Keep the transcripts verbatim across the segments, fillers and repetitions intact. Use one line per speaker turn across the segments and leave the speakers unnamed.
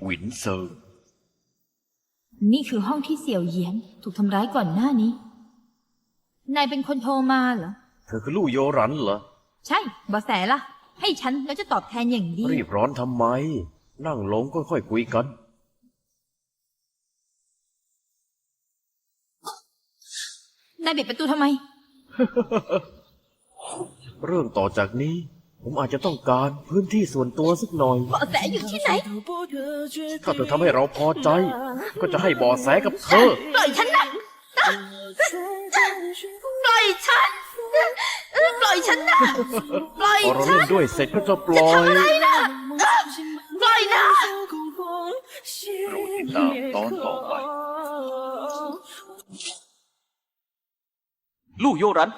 หวินเซิง
นี่คือห้องที่เสี่ยวเหยียนถูกทำร้ายก่อนหน้านี้นายเป็นคนโทรมาเหรอ
เธอคือลู่โยรันเหรอ
ใช่เบาะแสล่ะให้ฉันแล้วจะตอบแทนอย่างดี
รีบร้อนทำไมนั่งลงค่อยๆคุยกัน
นายปิดประตูทำไม
เรื่องต่อจากนี้ผมอาจจะต้องการพื้นที่ส่วนตัวสักหน่อย
เบาะแสอยู่ที่ไหน
ถ้าเธอทำให้เราพอใจก็จะให้เบาะแสกับเธอ
ปล่อยฉันนะปล่อยฉันปล่อยฉันนะปล่อย
พอเรา
ฉั
เล่นด้วยเสร็จก็จะปล่อย
ปล่อยนะ
โปรดติดตามตอนต่อไป
ลู่โยรัน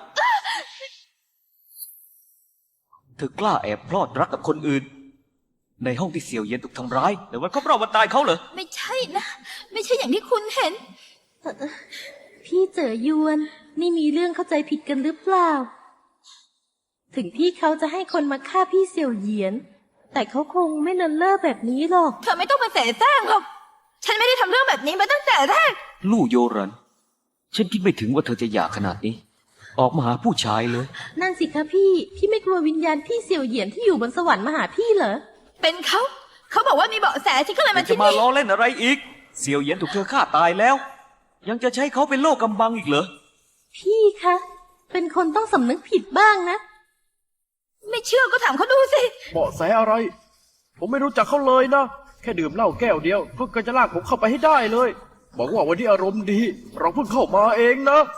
เธอกล้าแอบพลอดรักกับคนอื่นในห้องที่เสี่ยวเย็นถูกทำร้ายในวันครบรอบวันตายเขาเหรอ
ไม่ใช่นะไม่ใช่อย่างที่คุณเห็น
พี่เจ๋อยวนนี่มีเรื่องเข้าใจผิดกันหรือเปล่าถึงพี่เขาจะให้คนมาฆ่าพี่เสี่ยวเหยียนแต่เขาคงไม่เลินเล่อแบบนี้หรอก
เธอไม่ต้องมาแสแสร้งหรอกฉันไม่ได้ทำเรื่องแบบนี้มาตั้งแต่แรก
ลู่โยรันฉันคิดไม่ถึงว่าเธอจะอยากขนาดนี้ออกมาหาผู้ชายเลย
นั่นสิคะพี่พี่ไม่กลัววิญญาณพี่เสี่ยวเหยียนที่อยู่บนสวรรค์มาหาพี่เหรอ
เป็นเขาเขาบอกว่ามีเบาะแสที่ก็เลยมาที่
นี่จะมาล้อเล่นอะไรอีกเสี่ยวเหยียนถูกเธอฆ่าตายแล้วยังจะใช้เขาเป็นโล่กำบังอีกเหรอ
พี่คะเป็นคนต้องสำนึกผิดบ้างนะ
ไม่เชื่อก็ถามเขาดูสิ
เบาะแสอะไรผมไม่รู้จักเขาเลยนะแค่ดื่มเหล้าแก้วเดียวเพิ่งจะลากผมเข้าไปให้ได้เลยบอกว่าวันนี้อารมณ์ดีเราเพิ่งเข้ามาเองนะ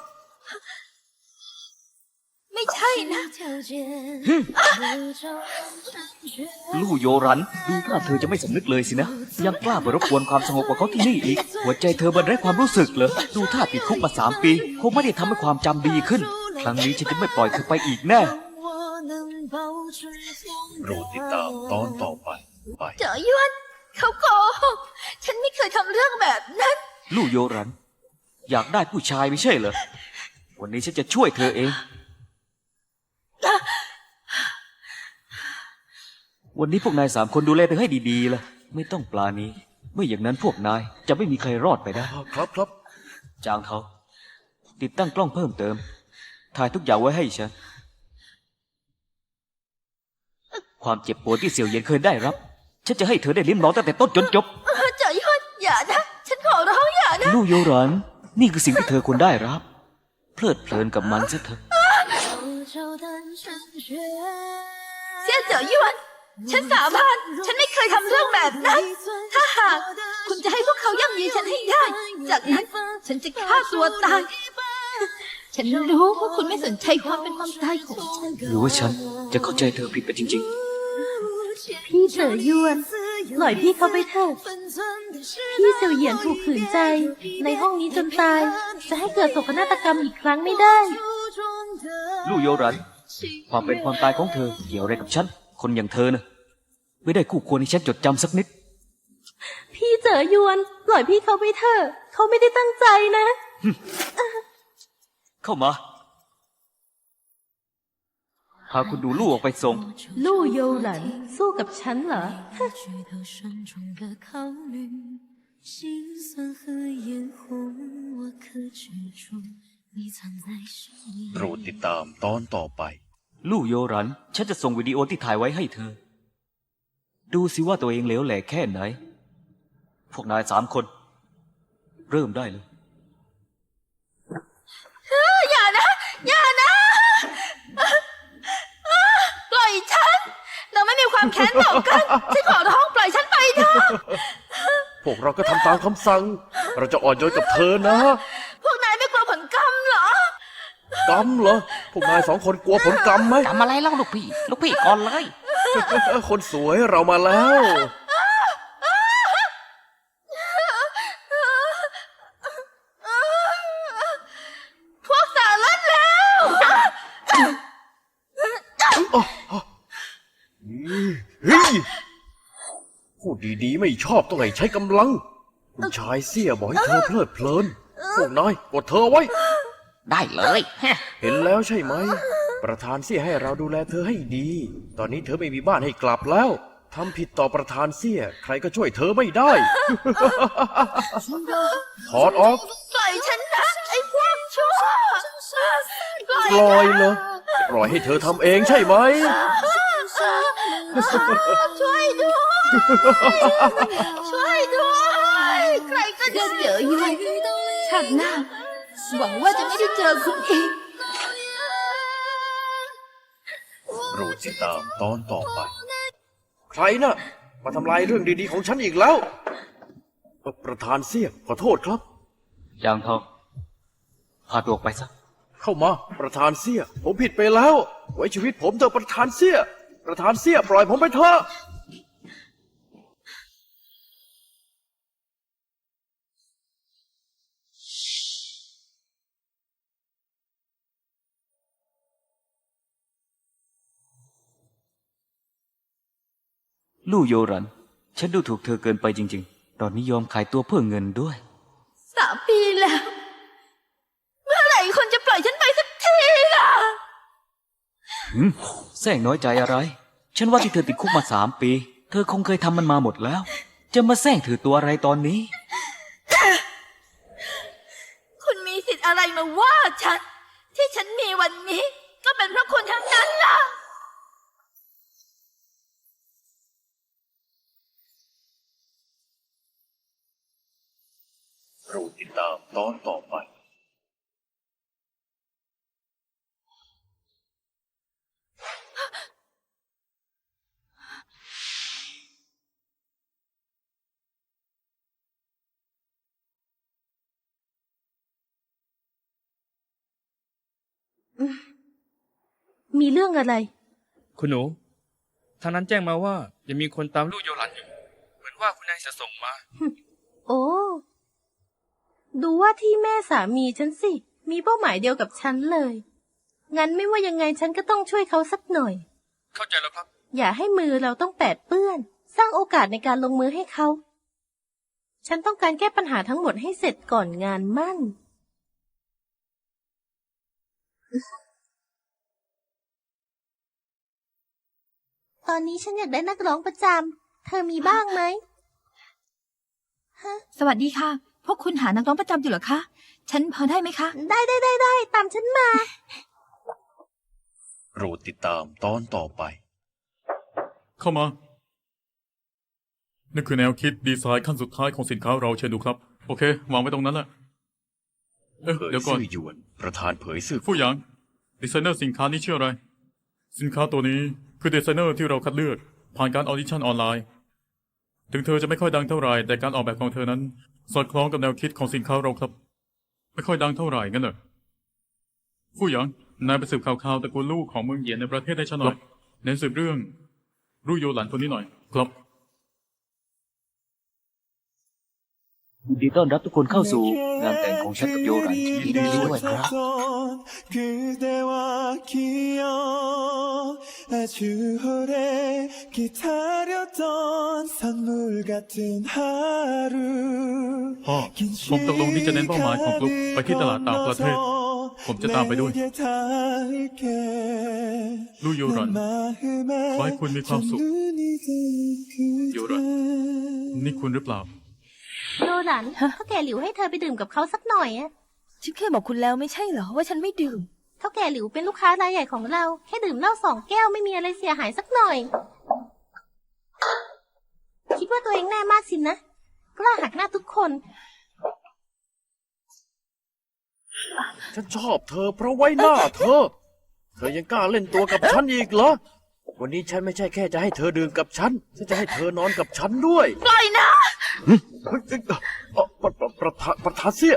ไม่ใช่นะ
ลู่โยรันดูท่าเธอจะไม่สำนึกเลยสินะยังกล้าไปรบกวนความสงบกับเขาที่นี่อีกหัวใจเธอบันไดความรู้สึกเหรอดูท่าติดคุกมาสามปีคงไม่ได้ทำให้ความจำดีขึ้นครั้งนี้ฉันจะไม่ปล่อยเธอไปอีกแน่
โปรดติดตามตอนต่อไปไป
เจ๋อยวนเขาโกหกฉันไม่เคยทำเรื่องแบบนั้น
ลู่โยรันอยากได้ผู้ชายไม่ใช่เหรอวันนี้ฉันจะช่วยเธอเองวันนี้พวกนายสามคนดูแลเธอให้ดีๆล่ะไม่ต้องปลานี้ไม่อย่างนั้นพวกนายจะไม่มีใครรอดไปได้
ครับครับ
จางเทาติดตั้งกล้องเพิ่มเติมถ่ายทุกอย่างไว้ให้ฉันความเจ็บปวดที่เสี่ยวเย็นเคยได้รับฉันจะให้เธอได้ลิ้มลองตั้งแต่ต้นจนจบ
เจ๋อยวนอย่านะฉันขอร้องอย่านะ
ลู่โยรันนี่คือสิ่งที่เธอควรได้รับเพลิดเพลินกับมันซะเถอะ
เสี่ยเจ๋อยวนฉันสาบานฉันไม่เคยทำเรื่องแบบนั้นถ้าหากคุณจะให้พวกเขาย่ำยีฉันให้ได้จากนั้นฉันจะฆ่าตัวตายฉันรู้ว่าคุณไม่สนใจความเป็นความตายของฉัน
หรือว่าฉันจะเข้าใจเธอผิดไปจริง
ๆพี่เจ๋อยวนปล่อยพี่เขาไปเถอะพี่เสี่ยวเหยียนถูกขืนใจในห้องนี้จนตายจะให้เกิดโศกนาฏกรรมอีกครั้งไม่ได้
ลู่โยรันความเป็นความตายของเธอเกี่ยวอะไรกับฉันคนอย่างเธอนะไม่ได้คู่ควรให้ฉันจดจำสักนิด
พี่เจ๋อยวนปล่อยพี่เขาไปเถอะเขาไม่ได้ตั้งใจนะ
เข้ามาพาคุณดูลู่ออกไปส่ง
ลู่โยหลันสู้กับฉันเหรอ
โปรดติดตามตอนต่อไป
ลู่โยรันฉันจะส่งวิดีโอที่ถ่ายไว้ให้เธอดูสิว่าตัวเองเหลวแหลกแค่ไหนพวกนายสามคนเริ่มได้เลย
อย่านะอย่านะปล่อยฉันเราไม่มีความแค้นต่อกันฉันขอร้องปล่อยฉันไปเถอะ
พวกเราก็ทำตามคำสั่งเราจะอ่อนโยนกับเธอนะ
พวกนายไม่กลัวผลกรรมเหร
อกรรมเหรอพวกนายสองคนกลัวผลกรรมไหม
กรรมอะไรเล่าลูกพี่ลูกพี่ก่อนเลย
คนสวยเรามาแล้ว
พวกสารเล่นแล้ว
พูดดีๆไม่ชอบต้องให้ใช้กำลังผู้ชายเสี้ยบอกให้เธอเพลิดเพลินพวกนายกดเธอไว้
ได้เลย
เห็นแล้วใช่ไหมประธานเสี้ยให้เราดูแลเธอให้ดีตอนนี้เธอไม่มีบ้านให้กลับแล้วทำผิดต่อประธานเสี่ย ใครก็ช่วยเธอไม่ได้ ถอดออก
ปล่อยฉันนะไอ้พวกชั่วปล่อย
ปล่อยเหรอปล่อยให้เธอทำเองใช่ไหม
ช่วยด้วยช่วยด้วยใครก็จะเจออยู่ชาติหน้าหวังว่าจะไม่ได้เจอคุณอีก
โปรดติดตามตอนต่อไป ใครน่ะ มาทำลายเรื่องดีๆของฉันอีกแล้ว ประธานเสี่ยขอโทษครับ
ยางทอง พาตัวออกไปซะ
เข้ามาประธานเสี่ยผมผิดไปแล้ว ไว้ชีวิตผมเถอะประธานเสี่ยประธานเสี่ยปล่อยผมไปเถอะ
ลู่โยรัน ฉันดูถูกเธอเกินไปจริงๆ ตอนนี้ยอมขายตัวเพื่อเงินด้วย
สามปีแล้ว เมื่อไหร่คนจะปล่อยฉันไปสักทีล่ะ
หืมแซงน้อยใจอะไร ฉันว่าที่เธอติดคุกมาสามปี เธอคงเคยทำมันมาหมดแล้ว จะมาแซงถือตัวอะไรตอนนี้
คุณมีสิทธิ์อะไรมาว่าฉัน ที่ฉันมีวันนี้ ก็เป็นเพราะคุณทั้งนั้นล่ะ
โปรดติดตามตอนต่อไป
มีเรื่องอะไร
คุณหนูทางนั้นแจ้งมาว่ายังมีคนตามลู่โยหลันอยู่ เหมือนว่าคุณนายจะส่งมา
โอ้ ดูว่าที่แม่สามีฉันสิ มีเป้าหมายเดียวกับฉันเลย งั้นไม่ว่ายังไงฉันก็ต้องช่วยเขาสักหน่อย
เข้าใจแล้วครับ
อย่าให้มือเราต้องแปดเปื้อน สร้างโอกาสในการลงมือให้เขา ฉันต้องการแก้ปัญหาทั้งหมดให้เสร็จก่อนงานมั่น ตอนนี้ฉันอยากได้นักร้องประจำ เธอมีบ้างไหม
สวัสดีค่ะ พวกคุณหานักร้องประจำอยู่เหรอคะ ฉันพอได้ไหมคะ
ได้ได้ได้ได้ตามฉันมา
โปรดติดตามตอนต่อไป
เข้ามา นี่คือแนวคิดดีไซน์ขั้นสุดท้ายของสินค้าเราเชิญดูครับ โอเค วางไว้ตรงนั้นแหละ เอ๊ะ
เผย
เดี๋ยวก่อน
ซื่อหยวน ประธานเผยซื่อ
ผู้หยาง ดีไซเนอร์สินค้านี้ชื่ออะไร สินค้าตัวนี้คือดีไซเนอร์ที่เราคัดเลือก ผ่านการออดิชั่นออนไลน์ ถึงเธอจะไม่ค่อยดังเท่าไหร่แต่การออกแบบของเธอนั้น สอดคล้องกับแนวคิดของสินค้าเราครับ ไม่ค่อยดังเท่าไหร่งั้นเหรอผู้หยาง นายไปสืบข่าวๆตระกูลลูกของเมืองเหยียนในประเทศให้ฉันหน่อยเน้นสืบเรื่องรุ่ยโยหลันคนนี้หน่อย ครับ
ยินดีต้อนรับทุกคนเข้าสู่งานแต่งของฉันกับโยรันยินดีด้วยครับ
그대와 기억 아주 오래 기다렸던 선물 같은 하루
พ่อ ผมตกลงที่จะเน้นเป้าหมายของกลุ่มไปที่ตลาดต่างประเทศ ผมจะตามไปด้วย ลู่โยรัน ขอให้คุณมีความสุข โยรัน นี่คุณหรือเปล่า
โยหลันเท่าแก่หลิวให้เธอไปดื่มกับเขาสักหน่อยอะ
ฉันเคยบอกคุณแล้วไม่ใช่เหรอว่าฉันไม่ดื่ม
เท่าแก่หลิวเป็นลูกค้ารายใหญ่ของเรา แค่ดื่มเหล้าสองแก้วไม่มีอะไรเสียหายสักหน่อย คิดว่าตัวเองแน่มากสินะ กล้าหักหน้าทุกคน
ฉันชอบเธอเพราะไว้หน้าเธอ เธอยังกล้าเล่นตัวกับฉันอีกเหรอ วันนี้ฉันไม่ใช่แค่จะให้เธอดื่มกับฉัน ฉันจะให้เธอนอนกับฉันด้วย
ปล่อยนะ
เฮ้ยเอ้ยเอ่อประประประธานประธานเสี่ย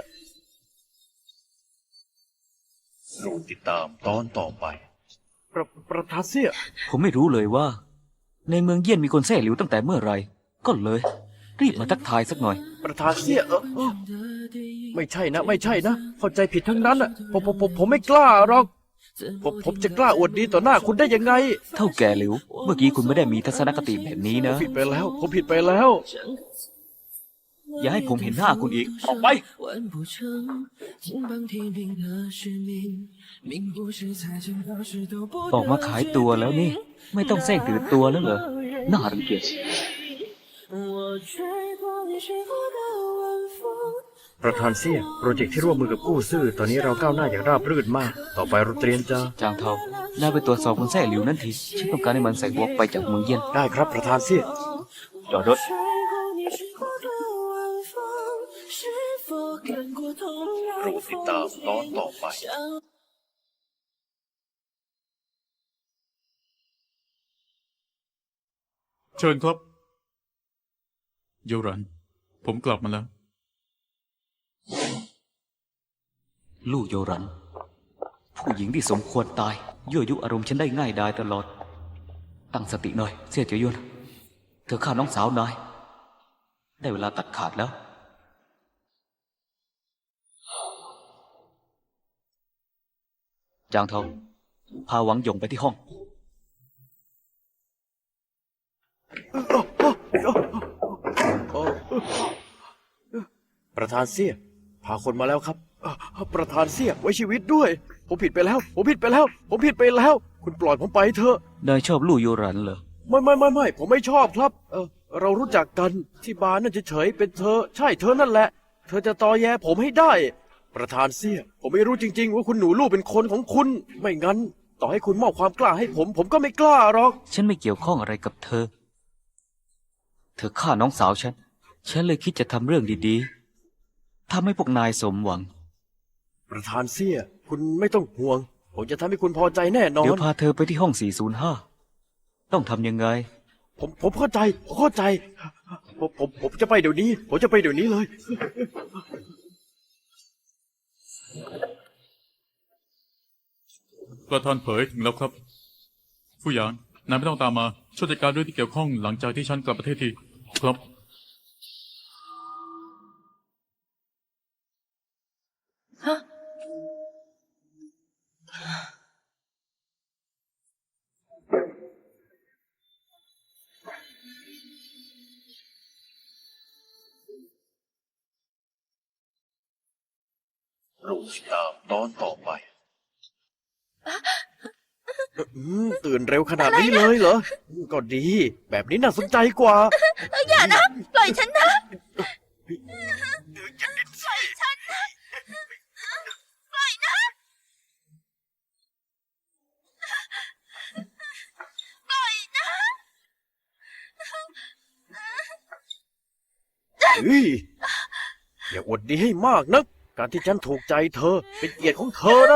โปรดติดตามตอนต่อไป ประประธานเสี่ย
ผมไม่รู้เลยว่า ในเมืองเยี่ยนมีคนแซ่หลิวตั้งแต่เมื่อไหร่ก็เลย รีบมาทักทายสักหน่อย
ประธานเสี่ยเออเออไม่ใช่นะ ไม่ใช่นะ เข้าใจผิดทั้งนั้นอ่ะผมผมผมผมไม่กล้าหรอก ผมผมจะกล้าอวดดีต่อหน้าคุณได้ยังไง
เท่าแก่หลิว เมื่อกี้คุณไม่ได้มีทัศนคติแบบนี้นะ
ผิดไปแล้ว ผมผิดไปแล้ว
อย่าให้ผมเห็นหน้าคุณอีก ออกไป ออกมาขายตัวแล้วนี่ ไม่ต้องแทรกถือตัวแล้วเหรอ น่ารังเกียจ
ประธานเสี่ยโปรเจกต์ที่ร่วมมือกับกู้ซื่อตอนนี้เราก้าวหน้าอย่างราบรื่นมาก ต่อไปเราเตรียมจะ
จางเทาน่าไปตรวจสอบคนแท้หลิวนั่นที ฉันต้องการให้มันใส่หัวไปจากเมืองเย็น
ได้ครับประธานเสี่ย
จอดรถ
โปรดติดตามตอนต่อไป
เชิญครับ โยรัน ผมกลับมาแล้ว
ลู่โยรัน ผู้หญิงที่สมควรตายยั่วยุอารมณ์ฉันได้ง่ายดายตลอด ตั้งสติหน่อยเสี่ยเจียวยวนเธอฆ่าน้องสาวนาย ได้เวลาตัดขาดแล้ว จางเทาพาหวังหยงไปที่ห้อง
ประธานเสี่ยพาคนมาแล้วครับเอ่อประธานเสี่ยไว้ชีวิตด้วย ผมผิดไปแล้ว ผมผิดไปแล้ว ผมผิดไปแล้ว คุณปล่อยผมไปเถอะ
นายชอบลู่โยรันเหรอ
ไม่ไม่ไม่ไม่ผมไม่ชอบครับ เออเรารู้จักกันที่บาร์นั่นเฉยๆเป็นเธอ ใช่เธอนั่นแหละ เธอจะตอแยผมให้ได้ ประธานเสี่ยผมไม่รู้จริงๆว่าคุณหนูลูกเป็นคนของคุณ ไม่งั้น ต่อให้คุณมอบความกล้าให้ผม ผมก็ไม่กล้าหรอก
ฉันไม่เกี่ยวข้องอะไรกับเธอ เธอฆ่าน้องสาวฉัน ฉันเลยคิดจะทำเรื่องดีๆทำให้พวกนายสมหวัง
ประธานเสี่ยคุณไม่ต้องห่วง ผมจะทำให้คุณพอใจแน่นอ
เดี๋ยวน พาเธอไปที่ห้องสี่ศูนย์ห้า ต้องทำยังไง
ผมผมเข้าใจผมเข้าใจผมผมผมจะไปเดี๋ยวนี้ ผมจะไปเดี๋ยวนี้เลย
ประธานเผยถึงแล้วครับ ผู้หยางนายไม่ต้องตามมา ช่วยจัดการเรื่องที่เกี่ยวข้องหลังจากที่ฉันกลับประเทศทีครับ
เราติดตามตอนต่อไปอืมตื่นเร็วขนาดนี้เลยเหรอ ก็ดี แบบนี้น่าสนใจกว่า
อย่านะ ปล่อยฉันนะ
เฮ้ยอย่าอวดดีให้มากนัก การที่ฉันถูกใจเธอ เป็นเกียรติของเธอนะ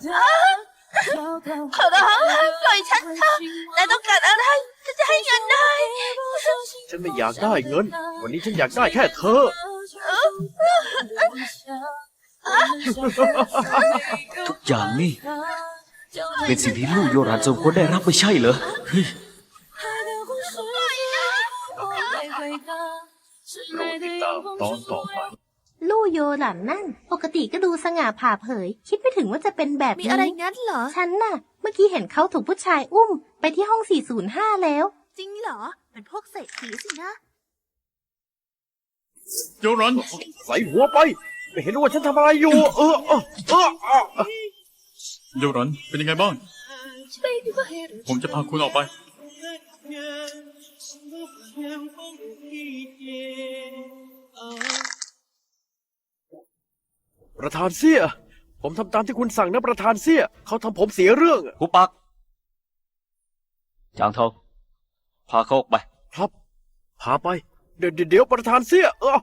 ขอร้องปล่อยฉันเถอะนายต้องการอะไรฉันจะให้เงินนาย
ฉันไม่อยากได้เงิน วันนี้ฉันอยากได้แค่เธอ
ทุกอย่างนี่ เป็นสิ่งที่ลู่โยรันสมควรได้รับไม่ใช่เหรอเฮ้ย
เราติดตามตอนต่อไป
ลู่โยหลันนั่น ปกติก็ดูสง่าผ่าเผย คิดไม่ถึงว่าจะเป็นแบบ
มี
นี้
อะไรงั้นเหรอ
ฉันน่ะ เมื่อกี้เห็นเขาถูกผู้ชายอุ้ม ไปที่ห้องสี่ศูนย์ห้าแล้ว
จริงเหรอ เป็นพวกเศรษฐีสินะ
โยรัน
ใส่หัวไป ไม่เห็นว่าฉันทำอะไรอยู่ เออเออเออเออ
โยรัน เป็นยังไงบ้าง
ช่วยด้วย
ผมจะพาคุณออกไป
ประธานเสี่ย ผมทำตามที่คุณสั่งนะประธานเสี่ย เขาทำผมเสียเรื่อง
หูปัก จางเทาพาเขาออกไป
ครับ พาไป เดี๋ยวเดี๋ยวประธานเสี่ย เออ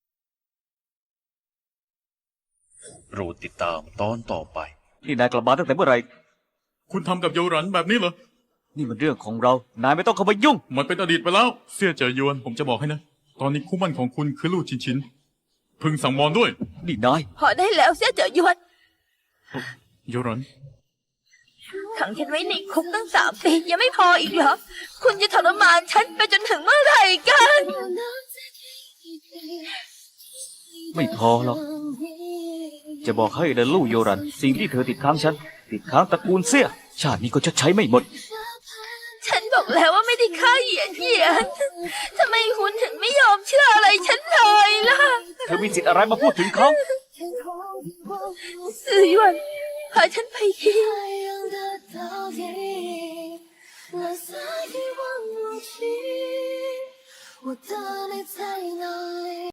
โปรดติดตามตอนต่อไป
นี่นายกลับมาตั้งแต่เมื่อไหร่
คุณทำกับโยรันแบบนี้เหรอ
นี่มันเรื่องของเรา นายไม่ต้องเข้ามายุ่ง
มันเป็นอดีตไปแล้ว เสี่ยเจอยวน ผมจะบอกให้นะ ตอนนี้คู่หมั่นของคุณคือลู่ชินชิน พึงสั่งมอนด้วย
นี่นาย
พอได้แล้วเสียเจอยวน
โยรัน
ขังฉันไว้ในคุกตั้งสามปียังไม่พออีกเหรอ คุณจะทรมานฉันไปจนถึงเมื่อไหร่กัน
ไม่พอหรอก จะบอกให้นะลู่โยรัน สิ่งที่เธอติดค้างฉัน ติดค้างตระกูลเสี่ย ชาตินี้ก็ชดใช้ไม่หมด
ฉันบอกแล้วว่าไม่ได้ฆ่าเหยียดเหยียนทำไมคุณถึงไม่ยอมเชื่ออะไรฉันเลยล่ะ
มีสิทธิ์อะไรมาพูดถึงเขา
สื่อหยวนพาฉันไปที
我的内在哪里？